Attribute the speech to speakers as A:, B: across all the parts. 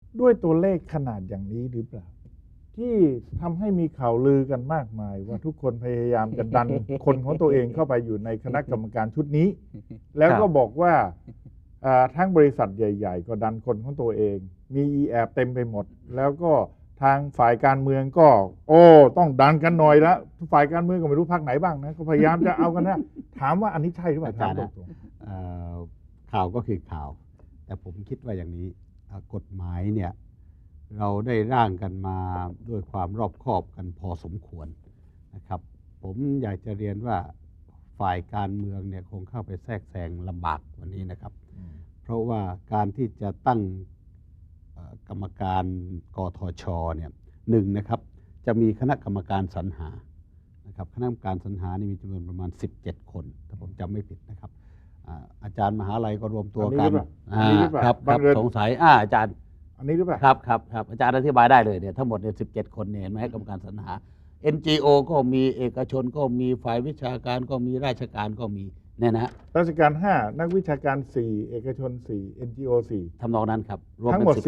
A: ด้วยตัวเลขขนาดอย่างนี้หรือเปล่าที่ทำให้มีข่าวลือกันมากมายว่าทุกคนพยายามจะดันคนของตัวเองเข้าไปอยู่ในคณะกรรมการชุดนี้แล้วก็บอกว่าทั้งบริษัทใหญ่ๆก็ดันคนของตัวเองมีแอบเต็มไปหมดแล้วก็ทางฝ่ายการเมืองก็ต้องดันกันหน่อยละฝ่ายการเมืองก็ไม่รู้พรรคไหนบ้างนะก็พยายามจะเอากันนะถามว่าอันนี้ใช่หรือเปล่าถามตรง
B: ๆข่าวก็คือข่าวแต่ผมคิดว่าอย่างนี้กฎหมายเนี่ยเราได้ร่างกันมาด้วยความรอบคอบกันพอสมควรนะครับผมอยากจะเรียนว่าฝ่ายการเมืองเนี่ยคงเข้าไปแทรกแซงลำบากวันนี้นะครับเพราะว่าการที่จะตั้งกรรมการกทชเนี่ยหนึ่งนะครับจะมีคณะกรรมการสรรหานะครับคณะกรรมการสรรหานี่มีจำนวนประมาณ17 คนถ้าผมจำไม่ผิดนะครับอาจารย์มหาลัยก็รวมตัวกันครับสงสัยอาจารย์
A: อันนี้หรือเปล่า
B: ครับอาจารย์อธิบายได้เลยเนี่ยทั้งหมดเนี่ย17 คนเนี่ยเห็นไหมกรรมการสรรหา NGO ก็มีเอกชนก็มีฝ่ายวิชาการก็มีราชการก็มีเนี่ยนะ
A: ราชการ5นักวิชาการ4เอกชน4 NGO 4
B: ทำนองนั้นครับรวม
A: ทั้งหมด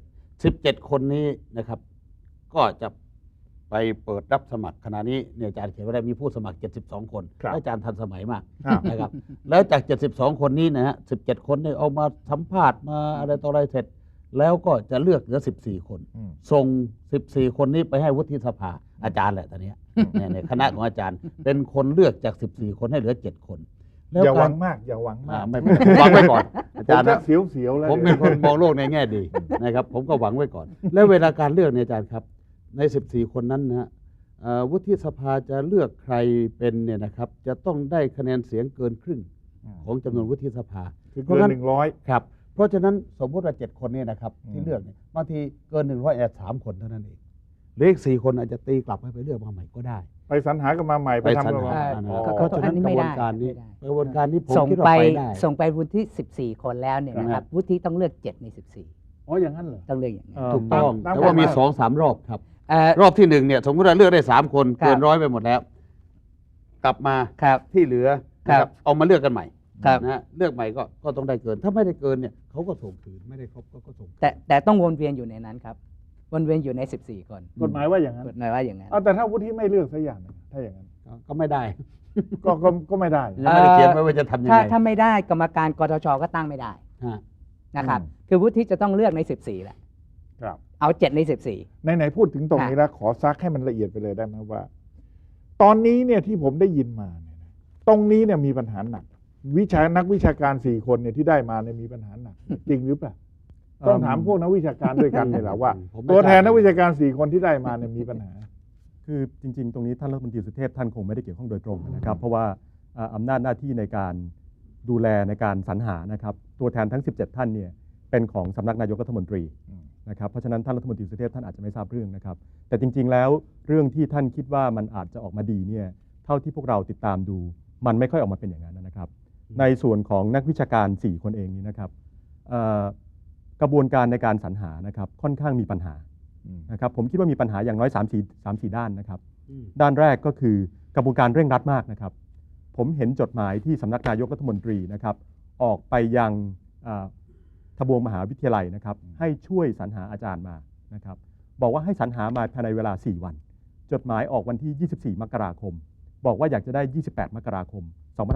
A: 17
B: คนนี้นะครับก็จะไปเปิดรับสมัครขณะนี้เนี่ยอาจารย์เขียนไว้ได้มีผู้สมัคร72 คนอาจารย์ทันสมัยมากนะครับแล้วจาก72 คนนี้นะฮะ17 คนเนี่ยเอามาสัมภาษณ์มาอะไรต่ออะไรเสร็จแล้วก็จะเลือกเหลือ14 คนส่ง14 คนนี้ไปให้วุฒิสภาอาจารย์แหละตอนนี้ในคณะของอาจารย์เป็นคนเลือกจาก14 คนให้เหลือ7 คน
A: อย่าหวังมากอย่าหวังมาก
B: ไม่หวังไว้ก่อนอาจารย์
A: นะเสียวๆแล้ว
B: ผมเป็นคนมองโลกในแง่ดีนะครับผมก็หวังไว้ก่อนแล้วเวลาการเลือกเนี่ยอาจารย์ครับใน14 คนนั้นนะวุฒิสภาจะเลือกใครเป็นเนี่ยนะครับจะต้องได้คะแนนเสียงเกินครึ่งของจำนวนวุฒิสภา
A: คือเกิน100
B: ครับเพราะฉะนั้นสมมติว่า7 คนเนี่ยนะครับที่เลือกเนี่ยบางทีเกิน1003 คนเท่านั้นเองหรืออีก4 คนอาจจะตีกลับให้ไปเลือกมาใหม่ก็ได้
A: ไปสรรหากันมาใหม่ไปทำกันมา
B: เพราะฉะนั้นกระบวนการนี้ผมคิดว่าไปได้
C: ส่งไปวุฒิ14 คนแล้วเนี่ยนะครับวุฒิต้องเลือก7 ใน 14
A: อย่างนั้นเหรอ
C: ต้องเลือกอย่างนั้น
B: ถูกต้องแต่ว่ามี 2-3 รอบครับรอบที่1เนี่ยสมมติว่าเลือกได้3 คนเกิน100ไปหมดแล้วกลับมาที่เหลือเอามาเลือกกันใหม่นะเลือกใหม่ก็ต้องได้เกินถ้าไม่ได้เกินเนี่ยเขาก็ส่งคืนไม่ได้ครบก็ส่ง
C: แต่ต้องวนเวียนอยู่ในนั้นครับวนเวียนอยู่ใน14 คน
A: กฎหมายว่าอย่างนั้น
C: กฎหมายว่าอย่างนั้น
A: แต่ถ้าวุฒิไม่เลือกสักอย่างถ้าอย่างนั้น
B: ก็ไม่ได้
A: ก็ไม่ได้
B: ยังไม่ได้เขียนไว้ว่าจะทำยังไง
C: ถ้าไม่ได้กรรมการกทชก็ตั้งไม่ได้นะครับคือวุฒิจะต้องเลือกใน14แหละเอา7 ใน 14
A: ไหนพูดถึงตรงนี้แล้วขอซักให้มันละเอียดไปเลยได้ไหมว่าตอนนี้เนี่ยที่ผมได้ยินมาเนี่ยตรงนี้เนี่ยมีปัญหาหนักนักวิชาการ4 คนเนี่ยที่ได้มาเนี่ยมีปัญหาหนักจริงหรือเปล่าต้องถามพวกนักวิชาการด้วยกันเลยแหละว่าตัวแทนนักวิชาการ4 คนที่ได้มาเนี่ยมีปัญหา
D: คือจริงๆตรงนี้ท่านรัฐมนตรีสุเทพท่านคงไม่ได้เกี่ยวข้องโดยตรงนะครับเพราะว่าอำนาจหน้าที่ในการดูแลในการสรรหานะครับตัวแทนทั้ง17 ท่านเนี่ยเป็นของสำนักนายกรัฐมนตรีนะครับเพราะฉะนั้นท่านรัฐมนตรีสุเทพท่านอาจจะไม่ทราบเรื่องนะครับแต่จริงๆแล้วเรื่องที่ท่านคิดว่ามันอาจจะออกมาดีเนี่ยเท่าที่พวกเราติดตามดูมันไม่ค่อยออกมาเป็นอย่างนั้นนะครับในส่วนของนักวิชาการ4 คนเองนี้นะครับกระบวนการในการสรรหานะครับค่อนข้างมีปัญหานะครับผมคิดว่ามีปัญหาอย่างน้อย3-4 ด้านนะครับด้านแรกก็คือกระบวนการเร่งรัดมากนะครับผมเห็นจดหมายที่สำนักนายกรัฐมนตรีนะครับออกไปยังทบวงมหาวิทยาลัยนะครับให้ช่วยสรรหาอาจารย์มานะครับบอกว่าให้สรรหามาภายในเวลา4 วันจดหมายออกวันที่24 มกราคมบอกว่าอยากจะได้28 มกราคม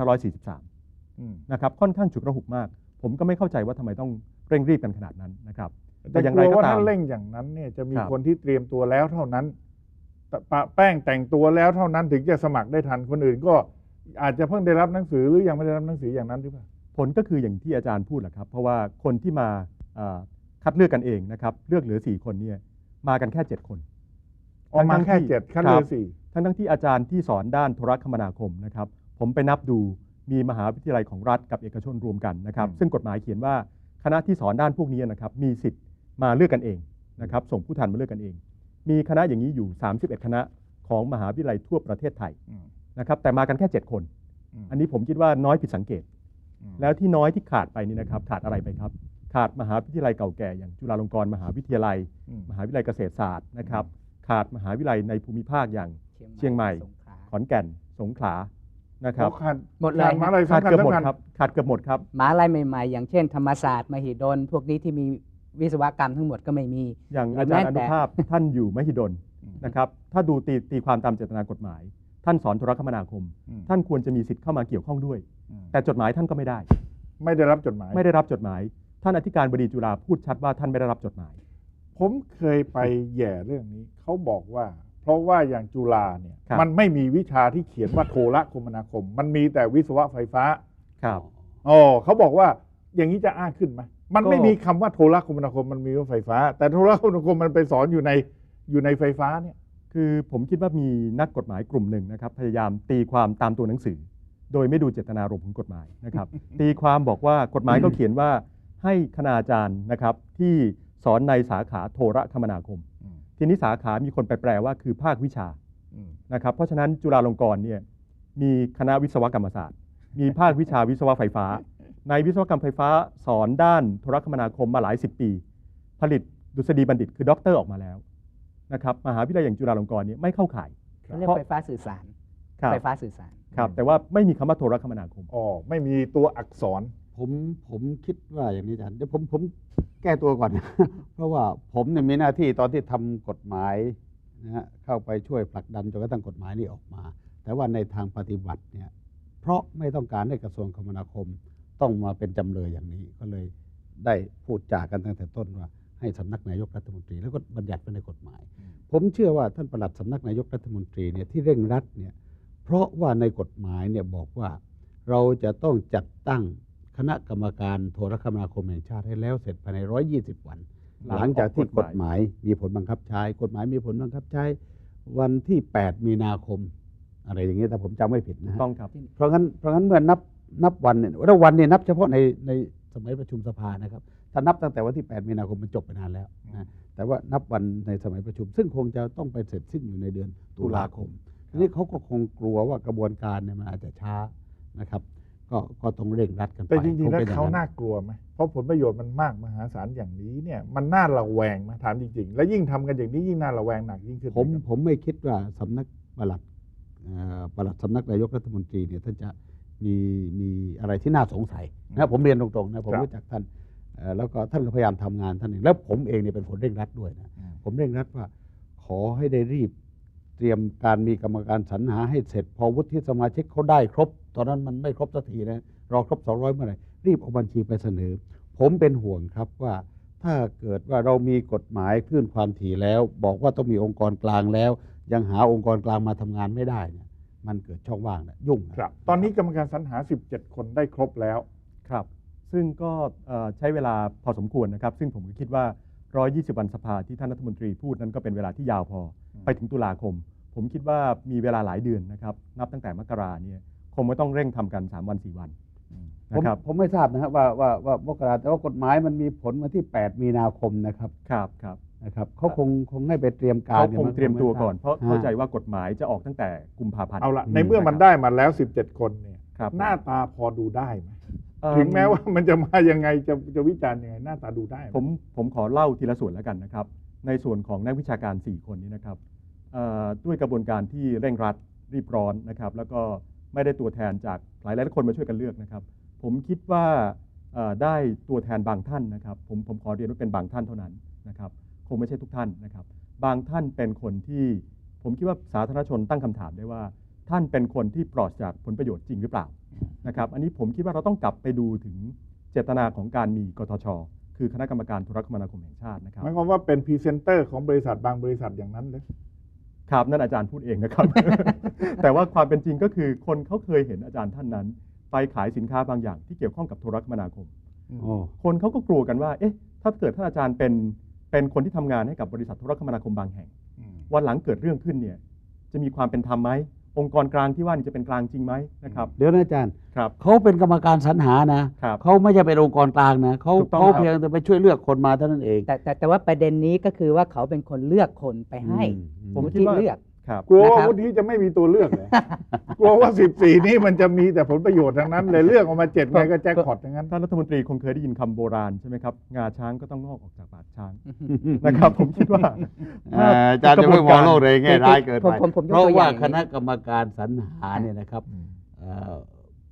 D: 2543นะครับค่อนข้างฉุกระหุกมากผมก็ไม่เข้าใจว่าทำไมต้องเร่งรีบกันขนาดนั้นนะครับ
A: แต่อย่างไรก็ตามถ้าเร่งอย่างนั้นเนี่ยจะมีคนที่เตรียมตัวแล้วเท่านั้นปะแป้งแต่งตัวแล้วเท่านั้นถึงจะสมัครได้ทันคนอื่นก็อาจจะเพิ่งได้รับหนังสือหรือยังไม่ได้รับหนังสืออย่างนั้นหรือเปล่า
D: ผลก็คืออย่างที่อาจารย์พูดแหละครับเพราะว่าคนที่มาคัดเลือกกันเองนะครับเลือกเหลือ4 คนเนี่ยมากันแค่7 คน
A: มาแค่7คัดเลือก4
D: ทั้งที่อาจารย์ที่สอนด้านโทรคมนาคมนะครับผมไปนับดูมีมหาวิทยาลัยของรัฐกับเอกชนรวมกันนะครับซึ่งกฎหมายเขียนว่าคณะที่สอนด้านพวกนี้นะครับมีสิทธิ์มาเลือกกันเองนะครับส่งผู้แทนมาเลือกกันเองมีคณะอย่างนี้อยู่31 คณะของมหาวิทยาลัยทั่วประเทศไทยนะครับแต่มากันแค่7 คนอันนี้ผมคิดว่าน้อยผิดสังเกตแล้วที่น้อยที่ขาดไปนี่นะครับขาดอะไรไปครับขาดมหาวิทยาลัยเก่าแก่อย่างจุฬาลงกรณ์มหาวิทยาลัยมหาวิทยาลัยเกษตรศาสตร์นะครับขาดมหาวิทยาลัยในภูมิภาคอย่างเชียงใหม่ขอนแก่นสงขลานะครับ
C: หมดเลย
D: ขาดเกือบหมดครับขาดเกือบหมดครับ
C: มหาวิทยาลัยใหม่ๆอย่างเช่นธรรมศาสตร์มหิดลพวกนี้ที่มีวิศวกรรมทั้งหมดก็ไม่มี
D: อย่างอาจารย์อนุภาพท่านอยู่มหิดลนะครับถ้าดูตีความตามเจตนากฎหมาย ท่านสอนโทรคมนาคม ท่านควรจะมีสิทธิ์เข้ามาเกี่ยวข้องด้วย แต่จดหมายท่านก็ไม่ได้
A: ไม่ได้รับจดหมาย
D: ไม่ได้รับจดหมาย ท่านอธิการบดีจุฬาพูดชัดว่าท่านไม่ได้รับจดหมาย
A: ผมเคยไปแย่เรื่องนี้เขาบอกว่าเพราะว่าอย่างจุฬาเนี่ย
D: ครับ
A: มันไม่มีวิชาที่เขียนว่าโทรคมนาคม มันมีแต่วิศวะไฟฟ้า
D: ครับ
A: อ๋อเขาบอกว่าอย่างนี้จะอ้างขึ้นไหมมัน
D: ก็
A: ไม่มีคำว่าโทรคมนาคมมันมีว่าไฟฟ้า แต่โทรคมนาคมมันไปสอนอยู่ในไฟฟ้าเนี่ย
D: คือผมคิดว่ามีนักกฎหมายกลุ่มหนึ่งนะครับพยายามตีความตามตัวหนังสือ โดยไม่ดูเจตนารมณ์ของกฎหมายนะครับ ตีความบอกว่ากฎหมายก็เขียนว่าให้คณาจารย์นะครับที่สอนในสาขาโทรคมนาคม ทีนี้สาขามีคนไปแปลว่าคือภาควิชานะครับเพราะฉะนั้นจุฬาลงกรณ์เนี่ยมีคณะวิศวกรรมศาสตร์ มีภาควิชาวิศวะไฟฟ้า ในวิศวกรรมไฟฟ้าสอนด้านโทรคมนาคมมาหลาย10 ปี ผลิตดุษฎีบัณฑิตคือด็อกเตอร์ออกมาแล้วนะครับมหาวิทยาลัยอย่างจุฬาลงกรณ์เนี่ยไม่เข้าข่าย
C: เขาเรียกไฟฟ้าสื่อสาร
D: ครับ
C: ไฟฟ้าสื่อสาร
D: ครับแต่ว่าไม่มีคำว่าโทรคมนาคม
A: อ๋อไม่มีตัวอักษร
B: ผมคิดว่าอย่างนี้อาจารย์เดี๋ยวผมแก้ตัวก่อน เพราะว่าผมเนี่ยมีหน้าที่ตอนที่ทำกฎหมายนะฮะเข้าไปช่วยผลักดันจนกระทั่งกฎหมายนี้ออกมา แต่ว่าในทางปฏิบัติเนี่ยเพราะไม่ต้องการให้กระทรวงคมนาคมต้องมาเป็นจำเลยอย่างนี้ก็เลยได้พูดจากันตั้งแต่ต้นว่าให้สำนักนายกรัฐมนตรีแล้วก็บัญญัติไว้ในกฎหมาย ผมเชื่อว่าท่านปลัดสำนักนายกรัฐมนตรีเนี่ยที่เร่งรัดเนี่ยเพราะว่าในกฎหมายเนี่ยบอกว่าเราจะต้องจัดตั้งคณะกรรมการโทรคมนาคมแห่งชาติให้แล้วเสร็จภายใน120 วัน หลังจากที่กฎหมายมีผลบังคับใช้กฎหมายมีผลบังคับใช้วันที่8 มีนาคมอะไรอย่างเงี้ยถ้าผมจำไม่ผิดนะฮะ
D: ต้องครับ
B: เพราะงั้นเมื่อนับวันเนี่ยแล้ววันเนี่ยนับเฉพาะในสมัยประชุมสภานะครับถ้านับตั้งแต่วันที่ 8 มีนาคมมันจบไปนานแล้วนะแต่ว่านับวันในสมัยประชุม ซึ่งคงจะต้องไปเสร็จสิ้นอยู่ในเดือนตุลาคมทีนี้เขาก็คงกลัวว่ากระบวนการเนี่ยมันอาจจะช้านะครับก็ต้องเร่งรัดกันไป
A: แต่จริงๆแล้ว
B: คป็อย่
A: เขา
B: นั้น
A: น่ากลัวไหมเพราะผลประโยชน์มันมากมหาศาลอย่างนี้เนี่ยมันน่าระแวงไหมถามจริงๆ แล้วยิ่งทำกันอย่างนี้ยิ่งน่าระแวงหนักยิ่งขึ้น
B: ผมไม่คิดว่าสำนักปลัดสำนักนายกรัฐมนตรีเนี่ยท่านจะมีอะไรที่น่าสงสัยนะผมเรียนตรงๆนะผมรู้จักท่านแล้วก็ท่านก็พยายามทำงานท่านเองแล้วผมเองเนี่ยเป็นคนเร่งรัดด้วยนะผมเร่งรัดว่าขอให้ได้รีบเตรียมการมีกรรมการสรรหาให้เสร็จพอวุฒิสมาชิกเขาได้ครบตอนนั้นมันไม่ครบสักทีนะรอครบ200เมื่อไหร่รีบเอาบัญชีไปเสนอผมเป็นห่วงครับว่าถ้าเกิดว่าเรามีกฎหมายคลื่นความถี่แล้วบอกว่าต้องมีองค์กรกลางแล้วยังหาองค์กรกลางมาทำงานไม่ได้เนี่ยมันเกิดช่องว่างนะยุ่งนะครับ
A: ตอนนี้กรรมการสรรหา17 คนได้ครบแล้ว
D: ครับ ซึ่งก็ใช้เวลาพอสมควรนะครับ ซึ่งผมก็คิดว่า 120 วันสภาที่ท่านรัฐมนตรีพูดนั้นก็เป็นเวลาที่ยาวพอไปถึงตุลาคม ผมคิดว่ามีเวลาหลายเดือนนะครับ นับตั้งแต่มกราเนี่ยคงไม่ต้องเร่งทำกัน 3 วัน 4 วันนะครับ
B: ผมไม่ทราบนะครับว่ามกราแต่ว่ากฎหมายมันมีผลมาที่ 8 มีนาคมนะครับ
D: ครับ
B: นะครับเขาคงให้ไปเตรียมการ
D: เขาคงเตรียมตัวก่อน เพราะ
B: ฮะ
D: เข้าใจว่ากฎหมายจะออกตั้งแต่กุมภาพันธ์
A: เอาละในเมื่อมันได้มาแล้ว17 คนเนี่ย
D: ครับ
A: หน้าตาพอดูได้ไหม
D: เอิ่ม
A: ถึงแม้ว่ามันจะมายังไงจะวิจารณ์ยังไงหน้าตาดูได้ไห
D: ผมขอเล่าทีละส่วนแล้วกันนะครับ ในส่วนของนักวิชาการ 4 คนนี้นะครับด้วยกระบวนการที่เร่งรัดรีบร้อนนะครับ แล้วก็ไม่ได้ตัวแทนจากหลายคนมาช่วยกันเลือกนะครับ ผมคิดว่าได้ตัวแทนบางท่านนะครับผมขอเรียนว่าเป็นบางท่านเท่านั้นนะครับคงไม่ใช่ทุกท่านนะครับ บางท่านเป็นคนที่ผมคิดว่าสาธารณชนตั้งคำถามได้ว่า ท่านเป็นคนที่ปลอดจากผลประโยชน์จริงหรือเปล่านะครับอันนี้ผมคิดว่าเราต้องกลับไปดูถึงเจตนาของการมีกทช คือคณะกรรมการโทรคมนาคมแห่งชาตินะครับ
A: หมายความว่าเป็นพรีเซนเตอร์ของบริษัทบางบริษัทอย่างนั้นเลย
D: ครับนั่นอาจารย์พูดเองนะครับ แต่ว่าความเป็นจริงก็คือคนเขาเคยเห็นอาจารย์ท่านนั้น ไปขายสินค้าบางอย่างที่เกี่ยวข้องกับโทรคมนาคม
B: โอ้
D: คนเขาก็กลัวกันว่าเอ๊ะถ้าเกิดท่านอาจารย์เป็นคนที่ทำงานให้กับบริษัทโทรคมนาคมบางแห่ง วันหลังเกิดเรื่องขึ้นเนี่ยจะมีความเป็นธรรมไหมองค์กรกลางที่ว่านี่จะเป็นกลางจริงไหมนะครับ
B: เดี๋ยวนะอาจารย์
D: ครับ
B: เขาเป็นกรรมการสรรหานะครับ เขาไม่ใช่เป็นองค์กรกลางนะเขา
D: ถูกต้อง
B: เขา
D: ครับ
B: เพียงแต่ไปช่วยเลือกคนมาเท่านั้นเอง
C: แต่ว่าประเด็นนี้ก็คือว่าเขาเป็นคนเลือกคนไปให้
D: ผม
C: วุ
D: คิด
C: ฒิ
D: ว่า
C: เลือก
D: ครับ
A: กลัวว่า
C: นะครับ
A: วุฒิจะไม่มีตัวเลือกเลยกลัวว่า14นี้มันจะมีแต่ผลประโยชน์ทั้งนั้นเลยเลือกออกมา7ไงก็แจ็คพอตทั้งนั้น
D: ท่านรัฐมนตรีคงเคยได้ยินคำโบราณใช่ไหมครับงาช้างก็ต้องงอกออกจากปากช้าง นะครับ ผมคิดว่า
B: อาจารย์จะไม่มองโลกในแง่ร้ายเกินไป
C: ผมยก
B: เพราะ
C: ตัวอ
B: ว่า
C: ย่าง
B: คณะกรรมการสรรหาเนี่ยนะครับ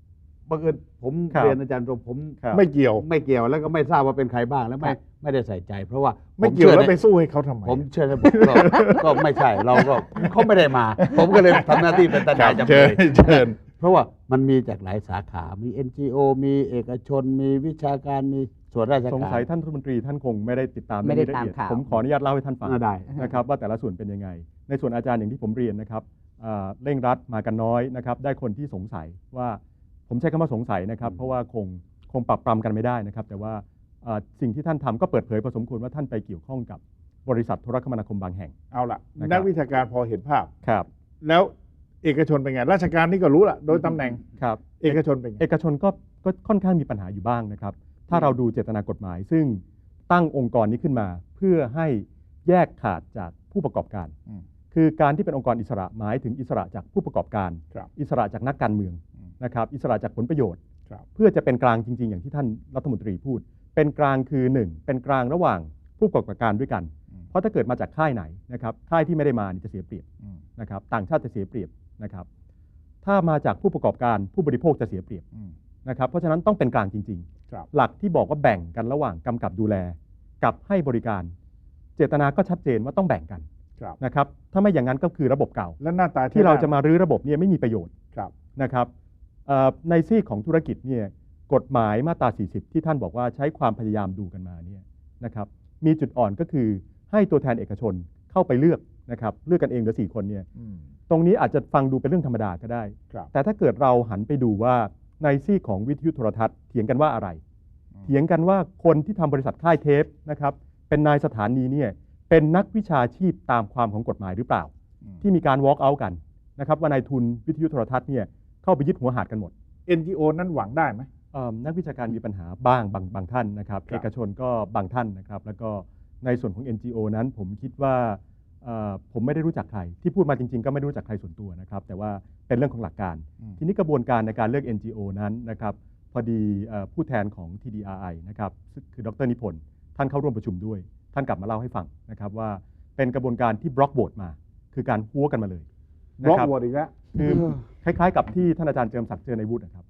B: บังเอิญผม
D: ครับ
B: เรียนอาจารย์ตรงผม
D: ครับ
A: ไม่เกี่ยว
B: ไม่เกี่ยวแล้วก็ไม่ทราบว่าเป็นใครบ้างแล้วไม่ได้ใส่ใจ เพราะว่า
A: ไม่
B: ผ
A: เกี่ยว
B: ชื่อ
A: แล้ว
B: ใน
A: ไปสู้ให้เขาทำไม
B: ผมเชื่อระบบก็ไม่ใช่เราก็เขาไม่ได้มา ผมก็เลยทำหน้าที่เป็นทนายจำ
A: เชิ
B: เล
A: ญ
B: ย
A: เชิญ
B: เพราะว่ามันมีจากหลายสาขา มี NGO มีเอกชน มีวิชาการ มีส่วนราชการ
D: สงสัยท่านรัฐมนตรีท่านคงไม่ได้ติดตาม
C: ไม่ได้
D: เรื่องนี้ละเอีย
C: ตามข่าว
D: ผมขออนุญาตเล่าให้ท่านฟัง
B: ได้
D: นะครับว่าแต่ละส่วนเป็นยังไง ในส่วนอาจารย์อย่างที่ผมเรียนนะครับเร่งรัดมากันน้อยนะครับได้คนที่สงสัยว่าผมใช้คำว่าสงสัยนะครับเพราะว่าคงปรับปรำกันไม่ได้นะครับแต่ว่าสิ่งที่ท่านทำก็เปิดเผยพอสมควรว่าท่านไปเกี่ยวข้องกับบริษัทโทรคมนาคมบางแห่ง
A: เอาละ
D: นะครับ
A: นักวิชาการพอเห็นภาพ
D: ครับ
A: แล้วเอกชนเป็นไง ราชการนี่ก็รู้ละโดยตำแหน่ง
D: ครับ
A: เอกชนเป็นไง
D: เอกชนก็ค่อนข้างมีปัญหาอยู่บ้างนะครับ ถ้าเราดูเจตนากฎหมาย ซึ่งตั้งองค์กรนี้ขึ้นมาเพื่อให้แยกขาดจากผู้ประกอบการ
A: อืม
D: คือการที่เป็นองค์กรอิสระหมายถึงอิสระจากผู้ประกอบการ
A: ครับ
D: อิสระจากนักการเมือง
A: อืม
D: นะครับอิสระจากผลประโยชน์
A: ครับ
D: เพื่อจะเป็นกลางจริง ๆ อย่างที่ท่านรัฐมนตรีพูด เป็นกลางคือหนึ่งเป็นกลางระหว่างผู้ประกอบการด้วยกัน
A: อืม
D: เพราะถ้าเกิดมาจากค่ายไหนนะครับค่ายที่ไม่ได้มานี่จะเสียเปรียบ
A: อืม
D: นะครับต่างชาติจะเสียเปรียบนะครับถ้ามาจากผู้ประกอบการผู้บริโภคจะเสียเปรียบ
A: อืม
D: นะครับเพราะฉะนั้นต้องเป็นกลางจริง
A: ครับ
D: ๆ หลักที่บอกว่าแบ่งกันระหว่างกำกับดูแลกับให้บริการ เจตนาก็ชัดเจนว่าต้องแบ่งกัน
A: ครับ
D: นะครับถ้าไม่อย่างนั้นก็คือระบบเก่า
A: และหน้าตา
D: ที่เราจะมารื้อระบบเนี่ยไม่มีประโยชน์
A: ครับ
D: นะครับในซีกของธุรกิจเนี่ยกฎหมายมาตรา 40 ที่ท่านบอกว่าใช้ความพยายามดูกันมาเนี่ยนะครับมีจุดอ่อนก็คือให้ตัวแทนเอกชนเข้าไปเลือกนะครับเลือกกันเองเหลือ4 คนเนี่ย
A: อืม
D: ตรงนี้อาจจะฟังดูเป็นเรื่องธรรมดาก็ได้
A: ครับ
D: แต่ถ้าเกิดเราหันไปดูว่าในซีกของวิทยุโทรทัศน์เถียงกันว่าอะไร
A: อืม
D: เถียงกันว่าคนที่ทำบริษัทค่ายเทปนะครับเป็นนายสถานีเนี่ยเป็นนักวิชาชีพตามความของกฎหมายหรือเปล่า
A: อืม
D: ที่มีการ walk out กันนะครับว่านายทุนวิทยุโทรทัศน์เนี่ยเข้าไปยึดหัวหาดกันหมด
A: NGO นั้นหวังได้ไหม
D: นักวิชาการมีปัญหาบ้างบางท่านนะครับ
A: ครับ
D: เอกชนก็บางท่านนะครับแล้วก็ในส่วนของ NGO นั้นผมคิดว่าผมไม่ได้รู้จักใครที่พูดมาจริงๆ ก็ไม่ได้รู้จักใครส่วนตัวนะครับแต่ว่าเป็นเรื่องของหลักการ
A: อืม
D: ทีนี้กระบวนการในการเลือก NGO นั้นนะครับพอดีผู้แทนของ TDRI นะครับคือดรนิพนธ์ท่านเข้าร่วมประชุมด้วย ท่านกลับมาเล่าให้ฟังนะครับว่าเป็นกระบวนการที่บล็อกโหวตมา คือการหัวกันมาเลย
A: บล็อก
D: นะค
A: โหวตอีกแล้ว
D: คือคล้ายๆกับที่ท่านอาจารย์เจิมศักดิ์เจอในวุฒินะครับ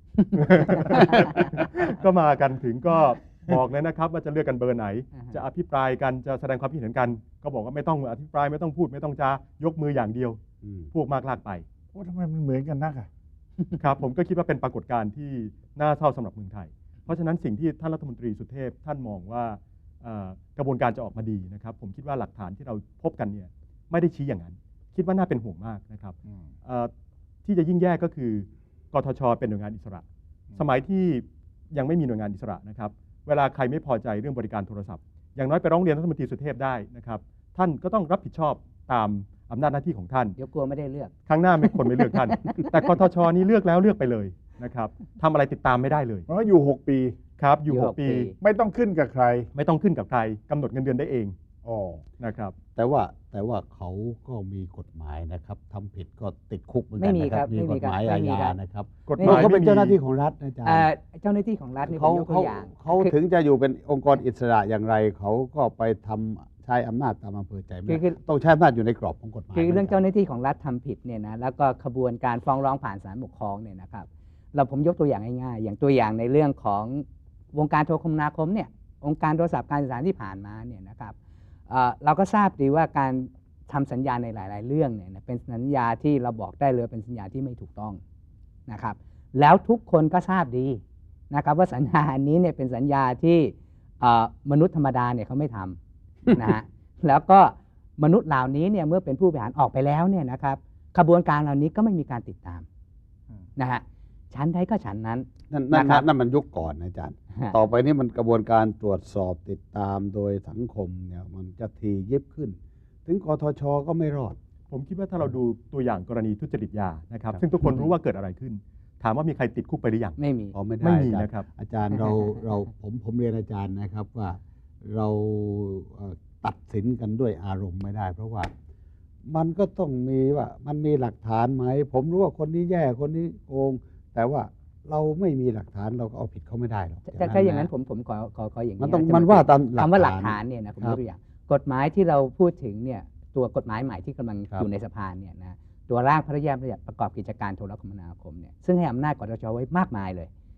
D: ก็มากันถึงก็บอกเลยนะครับว่าจะเลือกกันเบอร์ไหน จะอภิปรายกันจะแสดงความคิดเห็นกัน ก็บอกว่าไม่ต้องอภิปรายไม่ต้องพูดไม่ต้องจายกมืออย่างเดียว พวกมากลากไป
A: โอ้ทำไมมันเหมือนกันนักอ่ะ
D: ครับผมก็คิดว่าเป็นปรากฏการณ์ที่น่าเศร้าสำหรับเมืองไทย เพราะฉะนั้นสิ่งที่ท่านรัฐมนตรีสุเทพท่านมองว่ากระบวนการจะออกมาดีนะครับผมคิดว่าหลักฐานที่เราพบกันเนี่ยไม่ได้ชี้อย่างนั้น คิดว่าน่าเป็นห่วงมากนะครับ
A: อืม
D: ที่จะยิ่งแย่ก็คือกทชเป็นหน่วยงานอิสระ สมัยที่ยังไม่มีหน่วยงานอิสระนะครับเวลาใครไม่พอใจเรื่องบริการโทรศัพท์อย่างน้อยไปร้องเรียนรัฐมนตรีสุเทพได้นะครับท่านก็ต้องรับผิดชอบตามอำนาจหน้าที่ของท่าน
C: เดี๋ยวกลัวไม่ได้เลือก
D: ครั้งหน้าไม่คนไม่เลือกท่าน แต่กทชนี่เลือกแล้วเลือกไปเลยนะครับทำอะไรติดตามไม่ได้เลย
A: เพราะว่าอยู่ 6 ปี
D: ครับอยู่
C: อยู่
D: 6 ปี
C: 6 ปี
A: ไม่ต้องขึ้นกับใคร
D: ไม่ต้องขึ้นกับใครกำหนดเงินเดือนได้เอง
A: อ๋อ
D: นะครับ
B: แต่ว่าเขาก็มีกฎหมายนะครับทำผิดก็ติดคุกเหมือนกันนะค
C: ไม่มีครั
B: รับบ มี
C: ไม่มี
B: กฎหมาย
C: ครับ
B: อา
C: ไม่มี
B: ญา
C: ครับ
B: นะครับ
D: กฎห
B: เพ
D: มาย
B: ราะเขาเป็น
D: ไม่มี
B: เจ้าหน้าที่ของรัฐนะอาจารย์
C: เจ้าหน้าที่ของรัฐนี่ผ
B: เขา
C: มยกตัวอย่าง
B: เขา
C: คือ
B: ถึงจะอยู่เป็นองค์กรอิสระอย่างไรเขาก็ไปทำใช้อำนาจตามอำเภอใจไม่ได้
C: คือ
B: ต้องใช้อำนาจอยู่ในกรอบของกฎหมาย
C: คือเรื่อง
B: หมืนกัน
C: เจ้าหน้าที่ของรัฐทำผิดเนี่ยนะแล้วก็ขบวนการฟ้องร้องผ่านศาลปกครองเนี่ยนะครับผมยกตัวอย่างง่ายๆอย่างตัวอย่างในเรื่องของวงการโทรคมนาคมเนี่ยองค์การโทรศัพท์การสื่อสารที่ผ่านมาเนี่ยนะครับเราก็ทราบดีว่าการทำสัญญาในหลาย ๆ เรื่องเนี่ยเป็นสัญญาที่เราบอกได้เลยเป็นสัญญาที่ไม่ถูกต้องนะครับแล้วทุกคนก็ทราบดีนะครับว่าสัญญาอันนี้เนี่ยเป็นสัญญาที่มนุษย์ธรรมดาเนี่ยเขาไม่ทำนะฮะ แล้วก็มนุษย์เหล่านี้เนี่ยเมื่อเป็นผู้บริหารออกไปแล้วเนี่ยนะครับขบวนการเหล่านี้ก็ไม่มีการติดตามนะฮะชั้นใดก็ชั้นนั้น
B: นั่นมันยุคก่อนนะอาจารย์
C: ฮะ
B: ต่อไปนี้มันกระบวนการตรวจสอบติดตามโดยสังคมเนี่ยมันจะทียิบขึ้น ถึงกทชก็ไม่รอด
D: ผมคิดว่าถ้าเราดูตัวอย่างกรณีทุจริตยานะครับ
B: ครับ
D: ซึ่งทุกคนรู้ว่าเกิดอะไรขึ้น ถามว่ามีใครติดคุกไปหรือยัง
C: ไม่มี
B: พอไม่ได้
D: ไม่มี
B: อาจารย์
D: นะครับ
B: อาจารย์ผมเรียนอาจารย์นะครับว่าเราตัดสินกันด้วยอารมณ์ไม่ได้ เพราะว่ามันก็ต้องมีว่ามันมีหลักฐานไหมผมรู้ว่าคนนี้แย่คนนี้โกง แต่ว่าเราไม่มีหลักฐานเราก็เอาผิดเขาไม่ได้หรอก
C: ถ้าอย่างนั้นผมขออย่าง
B: มัน
C: นี้
B: ต้อง
C: นะ
B: มันว่าตามหลัก
C: คำว่าหลัก
B: ฐา
C: ฐาน นเนี่ยนะผม
B: ครั
C: ย
B: บ
C: กตัวอย่างกฎหมายที่เราพูดถึงเนี่ยตัวกฎหมายใหม่ที่กำลัง
B: ครับ
C: อยู่ในสภาเนี่ยนะตัวร่างพระราชบัญญัติประกอบกิจการโทรคมนาคมเนี่ยซึ่งให้อำนาจกทชไว้มากมายเลย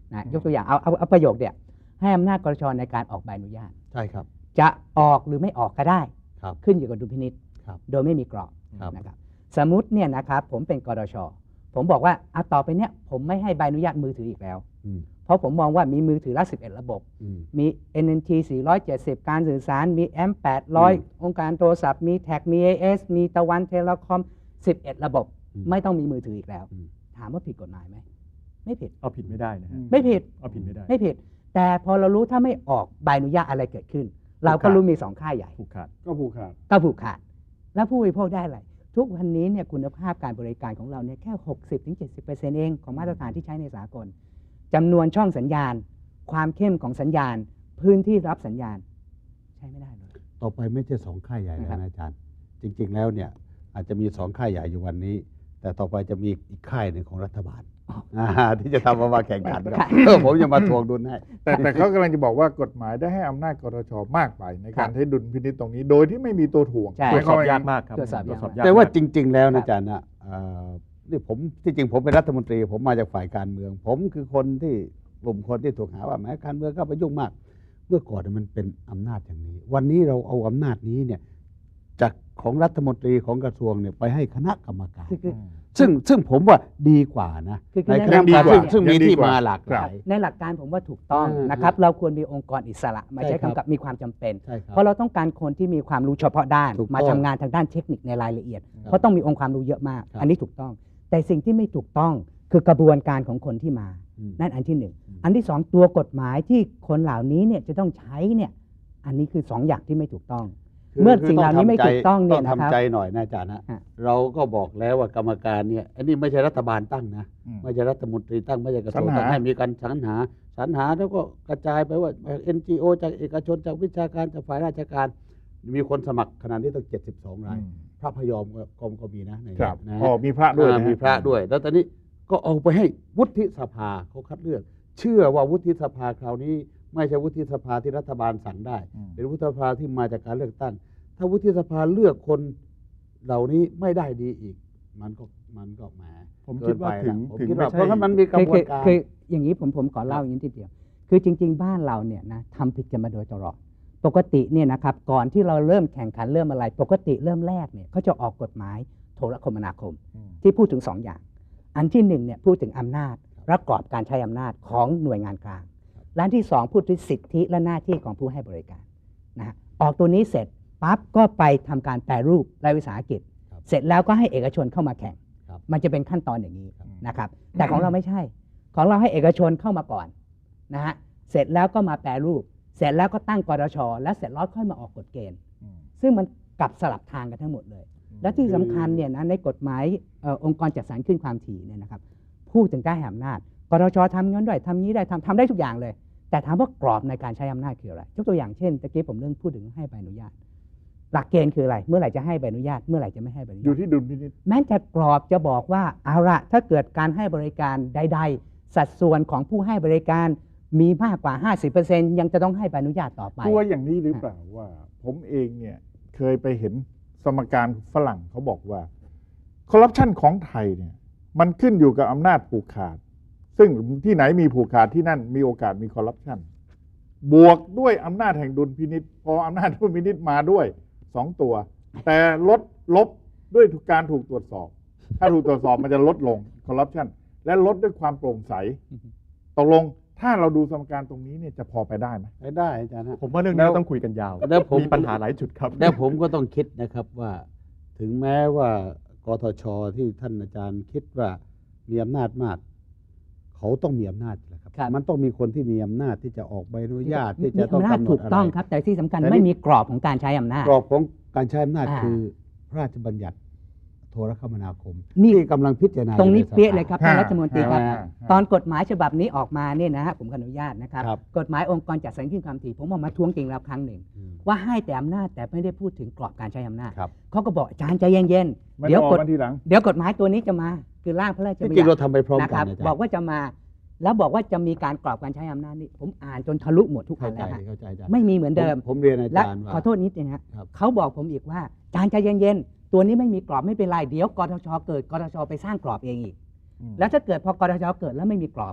C: นะยกตัวอย่างเอาประโยคเดียวให้อำนาจกรชในการออกใบอนุญาต
B: ใช่ครับ
C: จะออกหรือไม่ออกก็ได้
B: ครับ
C: ขึ้นอยู่กับดุลพินิจ
B: ครับ
C: โดยไม่มีกรอบ
B: ครับ
C: นะครับสมมุติเนี่ยนะครับผมเป็นกรชผมบอกว่าต่อไปเนี่ยผมไม่ให้ใบอนุญาตมือถืออีกแล้ว
B: อืม
C: เพราะผมมองว่ามีมือถือละ11 ระบบ
B: อืม
C: มี NNT 470 การสื่อสาร มี M 800 องค์การโทรศัพท์ มีแท็ก มี AS มีตะวันเทเลคอม 11 ระบบ ไม่ต้องมีมือถืออีกแล้ว ถามว่าผิดกฎหมายไหม ไม่ผิด
D: เอาผิดไม่ได้นะฮะ
C: ไม่ผิด
D: เอาผิดไม่ได้
C: ไม่ผิด แต่พอเรารู้ถ้าไม่ออกใบอนุญาตอะไรเกิดขึ้น เราก็รู้มี 2 ค่ายใหญ่
D: ผูกขาด
A: ก็ผูกขาด
C: ก็ผูกขาด แล้วผู้บริโภคได้อะไร ทุกวันนี้เนี่ยคุณภาพการบริการของเราเนี่ยแค่ 60-70% เองของมาตรฐานที่ใช้ในสากลจำนวนช่องสัญญาณ ความเข้มของสัญญาณ พื้นที่รับสัญญาณ ใช้ไม่ได้เลย
B: ต่อไปไม่ใช่2 ค่ายใหญ่แล้ว
C: นะครับ
B: นะอาจารย์ จริง ๆ แล้วเนี่ยอาจจะมี2 ค่ายใหญ่อยู่วันนี้ แต่ต่อไปจะมีอีกค่ายหนึ่งของรัฐบาลที่จะทำมาแข่งขันกันผมจะมาทวงดุลให้
A: แต่เขากำลังจะบอกว่ากฎหมายได้ให้อำนาจกรชมากไปในการใช้ดุลพินิจตรงนี้ โดยที่ไม่มีตัวถ่วง
C: ใช่
D: ตรวจสอบ
A: หมคว
D: ยากมากครับ
C: ตรวจสอบยาก
D: ยาก
B: แต่ว่า
D: มก
B: จริง ๆ แล้ว
C: ครั
B: นะ
C: บ
B: อาจารย์นะนี่ผมที่จริงผมเป็นรัฐมนตรี ผมมาจากฝ่ายการเมือง ผมคือคนที่กลุ่มคนที่ถูกหาว่าแม้การเมืองเข้าไปยุ่งมาก เมื่อก่อนมันเป็นอำนาจอย่างนี้ วันนี้เราเอาอำนาจนี้เนี่ยจากของรัฐมนตรีของกระทรวงเนี่ยไปให้คณะกรรมการ
C: คือ
B: ซึ่งผมว่าดีกว่านะ
C: คือ
B: ในค
C: ใน
B: ณะกรรมการ
A: ยังดีกว่า
B: ซึ่งมี
A: ยังดี
B: ที่
A: กว่า
B: มาหลากห
A: ครั
B: ลา
A: บ
B: ย
C: ในหลักการผมว่าถูกต้อง
B: อืม
C: นะครับ เราควรมีองค์กรอิสระมา
B: ใช่
C: ใช้
B: ครับ
C: กำกับมีความจำเป็น
B: ใช่ครับ
C: เพราะเราต้องการคนที่มีความรู้เฉพาะด้าน
B: ถูกต้อง
C: มาทำงานทางด้านเทคนิคในรายละเอียด
B: ครับ
C: เพราะต้องมีองค์ความรู้เยอะมาก
B: ครับ
C: อันนี้ถูกต้อง แต่สิ่งที่ไม่ถูกต้องคือกระบวนการของคนที่มา
B: อืม
C: นั่นอันที่หนึ่ง
B: อืม
C: อันที่สองตัวกฎหมายที่คนเหล่านี้เนี่ยจะต้องใช้เนี่ยอันนี้คือสองอย่างที่ไม่ถูกต้อง
B: คือ
C: เมื่อ
B: คือ
C: สิ่งเหล่านี้ไม่ถูกต้องเนี่ย
B: ต้อง
C: นะครับ
B: ทำใจหน่อยนะอาจารย์นะ
C: ฮะ
B: เราก็บอกแล้วว่ากรรมการเนี่ยอันนี้ไม่ใช่รัฐบาลตั้งนะ
A: อืม
B: ไม่ใช่รัฐมนตรีตั้งไม่ใช่กระทรวง
A: สรรหา
B: ตั้งให้มีการสรรหาแล้วก็กระจายไปว่า NGO จากเอกชนจากวิชาการจากฝ่ายราชการ มีคนสมัครขนาดนี้ต้อง72 ราย พระพยอมก็มีนะใน
A: ครับ
B: นะ
A: อ๋อมีพระด้วย
B: อ่า
A: นะ
B: มีพระด้วย แล้วตอนนี้ก็เอาไปให้วุฒิสภาเขาคัดเลือก เชื่อว่าวุฒิสภาคราวนี้ ไม่ใช่วุฒิสภาที่รัฐบาลสั่งได้
A: อืม
B: เป็นวุฒิสภาที่มาจากการเลือกตั้ง ถ้าวุฒิสภาเลือกคนเหล่านี้ไม่ได้ดีอีก มันก็แหม
D: ผมคิดว่า
B: เกินไป
D: ถึง
B: นะผมคิดว่า
D: ไม่ใช่
B: เพราะงั้นมันมีกระบวนการ
C: คืออย่างนี้ผมขอเล่าอย่างนี้ทีเดียว คือจริง ๆ บ้านเราเนี่ยนะทำผิดกันมาโดยตลอด ปกติเนี่ยนะครับก่อนที่เราเริ่มแข่งขันเริ่มอะไร ปกติเริ่มแรกเนี่ยเขาจะออกกฎหมายโทรคมนาคม
A: อืม
C: ที่พูดถึง 2 อย่าง อันที่1เนี่ยพูดถึงอำนาจและกรอบการใช้อำนาจของหน่วยงานกลางและอันที่ 2 พูดถึงสิทธิและหน้าที่ของผู้ให้บริการนะฮะออกตัวนี้เสร็จปั๊บก็ไปทำการแปรรูปรายวิสาหกิจ
B: ครับ
C: เสร็จแล้วก็ให้เอกชนเข้ามาแข่ง
B: ครับ
C: มันจะเป็นขั้นตอนอย่างนี้
B: ครับ
C: นะครับ แต่ของเราไม่ใช่ ของเราให้เอกชนเข้ามาก่อนนะฮะเสร็จแล้วก็มาแปรรูป เสร็จแล้วก็ตั้งกรชและเสร็จแล้วค่อยมาออกกฎเกณฑ์
A: อืม
C: ซึ่งมันกลับสลับทางกันทั้งหมดเลย และที่สำคัญเนี่ยนะในกฎหมายองค์กรจัดสรรขึ้นความถี่เนี่ยนะครับพูดถึงการให้อำนาจกรชทำงั้นด้วยทำนี้ได้ทำได้ทุกอย่างเลย แต่ถามว่ากรอบในการใช้อำนาจคืออะไรยกตัวอย่างเช่นตะกี้ผมเรื่องพูดถึงให้ใบอนุญาต หลักเกณฑ์คืออะไร เมื่อไหร่จะให้ใบอนุญาตเมื่อไหร่จะไม่ให้ใบอนุ
A: อ
C: ญา
A: ยู่
C: ต
A: ที่ดุลพินิจ
C: แม้จะกรอบจะบอกว่าเอาละถ้าเกิดการให้บริการใด ๆ สัดส่วนของผู้ให้บริการมีมากกว่า 50% ยังจะต้องให้ใบอนุญาตต่อไป
A: ตัวอย่างนี้หรือเปล่าว่า ผมเองเนี่ยเคยไปเห็นสมการฝรั่งเขาบอกว่าคอร์รัปชันของไทยเนี่ยมันขึ้นอยู่กับอำนาจผูกขาด ซึ่งที่ไหนมีผูกขาดที่นั่นมีโอกาสมีคอร์รัปชันบวกด้วยอำนาจแห่งดุลพินิจพออำนาจดุลพินิจมาด้วย2 ตัว แต่ลบด้วยการถูกตรวจสอบ ถ้าถูกตรวจสอบมันจะลดลงคอร์รัปชันและลดด้วยความโปร่งใสตกลงถ้าเราดูสมการตรงนี้เนี่ยจะพอไปได้ไหม
B: ได้อาจารย์ฮะ
D: ผมว่าเรื่องนี้
B: แล้ว
D: เราต้องคุยกันยาว
B: แล้วผม
D: มีปัญหาหลายจุดครับ
B: แล้วผมก็ต้องคิดนะครับว่า ถึงแม้ว่ากทชที่ท่านอาจารย์คิดว่ามีอำนาจมาก เขาต้องมีอำนาจแหละครับ
C: ครับ
B: มันต้องมีคนที่มีอำนาจที่จะออกใบอนุญาตที่จะต้อง
C: มีอำนาจ
B: กำหน
C: ถู
B: ด
C: ก
B: อะไร
C: ต้องครับ แต่ที่สำคัญ
B: แต่นี่
C: ไม่มีกรอบของการใช้อำนาจ
B: กรอบของการใช้อำนาจ
C: อ่า
B: คือพระราชบัญญัติโทรคมนาคม
C: นี่
B: ที่กำลังพิจารณา
C: ตรงนี้
B: อใสภา
C: เปี้ยเลยครับท่านรัฐมนตรีครับ
A: ฮะ
C: ตอนกฎหมายฉบับนี้ออกมาเนี่ยนะฮะผมขออนุญาตนะครับ
B: ครับ
C: กฎหมายองค์กรจัดสรรขึ้นความถี่ผมออกมาทวงติงแล้วครั้งหนึ่ง
B: อืม
C: ว่าให้แต่อำนาจแต่ไม่ได้พูดถึงกรอบการใช้อำนาจ
B: ครับ
C: เขาก็บอกอาจารย์ใจเย็น
A: ไม่
C: ๆเดี๋ยว
A: ต้องออก
C: กฎ
A: มาทีหลัง
C: เดี๋ยวกฎหมายตัวนี้จะมาคือร่างพระราช
B: ที่
C: บัญ
B: จริง
C: ญั
B: เรา
C: ติ
B: ทำไปพร้อม
C: นะ
B: กั
C: คน รับ
B: อาจารย์
C: บอกว่าจะมา แล้วบอกว่าจะมีการกรอบการใช้อำนาจนี่ผมอ่านจนทะลุหมดทุกอั
B: เข้าน ใจ
C: แล้วฮะ
B: เข้าใจอาจารย์
C: ไม่มีเหมือนเดิม
B: ผมเรียนอา
C: และ
B: จารย์ว่า
C: ขอโทษนิดนึงฮะ
B: ครับ
C: เขาบอกผมอีกว่าอาจารย์ใจเย็นๆตัวนี้ไม่มีกรอบไม่เป็นไรเดี๋ยวกทชเกิดกทชไปสร้างกรอบเองอีก แล้วถ้าเกิดพอกทชเกิดแล้วไม่มีกรอบล่ะ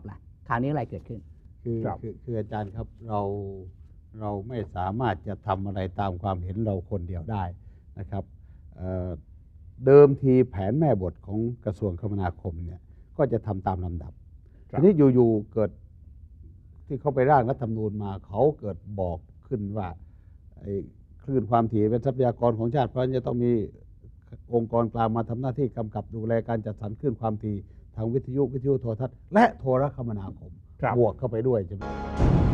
C: คราวนี้อะไรเกิดขึ้น
B: คืออาจารย์ครับเราไม่สามารถจะทำอะไรตามความเห็นเราคนเดียวได้นะครับเดิมทีแผนแม่บทของกระทรวงคมนาคมเนี่ยก็จะทำตามลำดับทีนี้อยู่ๆเกิดที่เขาไปร่างรัฐธรรมนูญมาเขาเกิดบอกขึ้นว่าคลื่นความถี่เป็นทรัพยากรของชาติเพราะฉะนั้นจะต้องมีองค์กรกลางมาทำหน้าที่กำกับดูแลการจัดสรรคลื่นความถี่ทางวิทยุโทรทัศน์และโทรคมนาคมบวกเข้าไปด้วยใช่ไหม